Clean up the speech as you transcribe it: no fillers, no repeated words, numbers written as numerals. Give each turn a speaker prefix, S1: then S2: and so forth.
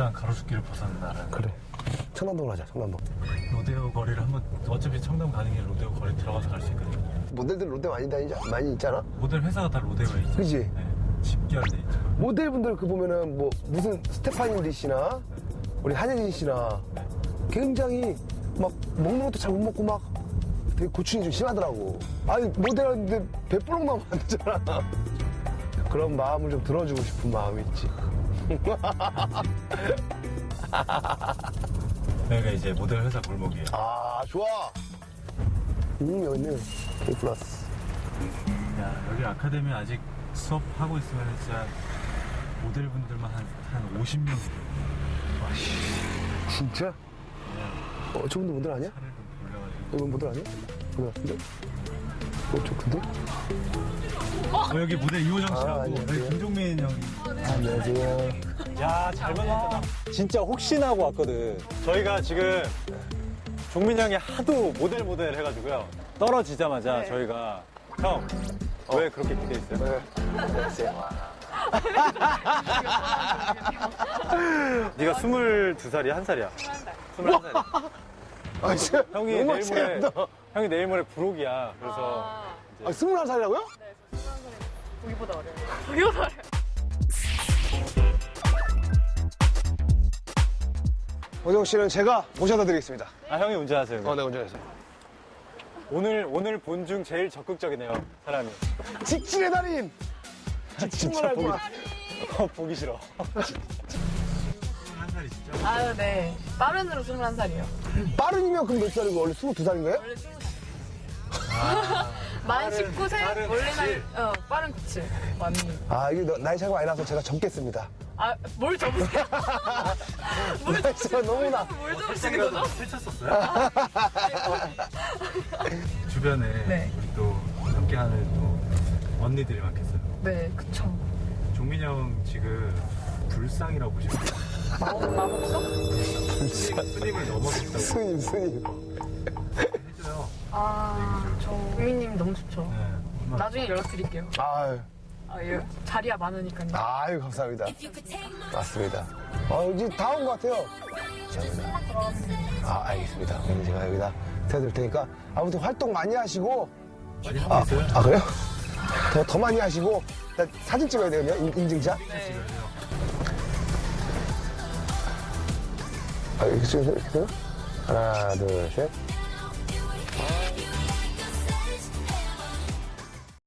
S1: 일단 가로수길을 벗어나는.
S2: 그래. 청담동으로 하자, 청담동.
S1: 로데오 거리를 한번, 어차피 청담 가는 길 로데오 거리 들어가서 갈 수 있거든요.
S2: 모델들 로데 많이 있잖아?
S1: 모델 회사가 다 로데오에 있죠.
S2: 그지?
S1: 네, 집결돼 있죠.
S2: 모델분들 그 보면은 뭐 무슨 스테파니 씨나 우리 한예진 씨나 굉장히 막 먹는 것도 잘 못 먹고 막 되게 고충이 좀 심하더라고. 아니 모델하는데 배부른 마음 안 되잖아. 그런 마음을 좀 들어주고 싶은 마음이 있지.
S1: 여기가 이제 모델 회사 골목이에요.
S2: 아 좋아. 여기 있네. K 플러스.
S1: 야, 여기 아카데미 아직 수업하고 있으면 진짜 모델분들만 한 50명.
S2: 진짜? 저분도 모델 아니야?
S1: 차를 좀 돌려가지고.
S2: 이건 모델 아니야? 모델 같은데? 저 근데?
S1: 여기 모델 이호정 씨라고.
S2: 안녕하세요.
S1: 여기 김종민 형이.
S2: 안녕하세요.
S3: 야, 잘 만났다. 진짜 혹시나 하고 왔거든. 저희가 지금 종민 형이 하도 모델 해가지고요. 떨어지자마자 저희가 형, 왜 그렇게 기대했어요?
S2: 안녕하세요.
S3: 네가 22살이야? 1살이야? 21살이야.
S2: 아, 진짜?
S3: 형이 내일 모레 부록이야. 그래서.
S2: 아, 21살이라고요?
S4: 보기보다 어려워요. 보기보다 어려워요.
S2: 오정 씨는 제가 모셔다 드리겠습니다.
S3: 아, 형이 운전하세요.
S2: 네, 운전해서.
S3: 오늘 본 중 제일 적극적이네요, 사람이.
S2: 직진의 달인! 직진만
S3: 보기,
S2: 할거야.
S3: 보기 싫어.
S1: 21살이시죠?
S4: 아, 네. 빠른으로 21살이요.
S2: 빠른이면 그럼 몇 살이고 원래 22살인가요?
S4: 원래 20살. 만 19세? 원래 나이, 빠른 97. 맞네.
S2: 아, 이게 나이 차이가 많이 나서 제가 적겠습니다.
S4: 아, 뭘 접으세요?
S2: 나이 차이가 너무나.
S4: 뭘 접으시는 거죠?
S1: 펼쳤었어요? 주변에
S4: 네.
S1: 우리 또 함께하는 또 언니들이 많겠어요.
S4: 네, 그쵸.
S1: 종민 형 지금 불상이라고 보시면 돼요.
S4: 마법사?
S1: 스님을 넘어섰다고
S2: 스님.
S1: 해줘요.
S4: 아, 저 국민님 너무 좋죠.
S1: 네, 얼마나
S4: 나중에 연락드릴게요.
S2: 아유,
S4: 예. 자리야 많으니까요.
S2: 아유, 감사합니다. 맞습니다. 이제 다 온 것 같아요. 감사합니다. 아, 알겠습니다. 그럼 제가 여기다 대드릴 테니까 아무튼 활동 많이 하시고.
S1: 많이 하고 있어요?
S2: 아, 그래요? 더 많이 하시고. 나 사진 찍어야 되거든요, 인증샷.
S4: 네.
S2: 이렇게 찍으세요? 하나, 둘, 셋.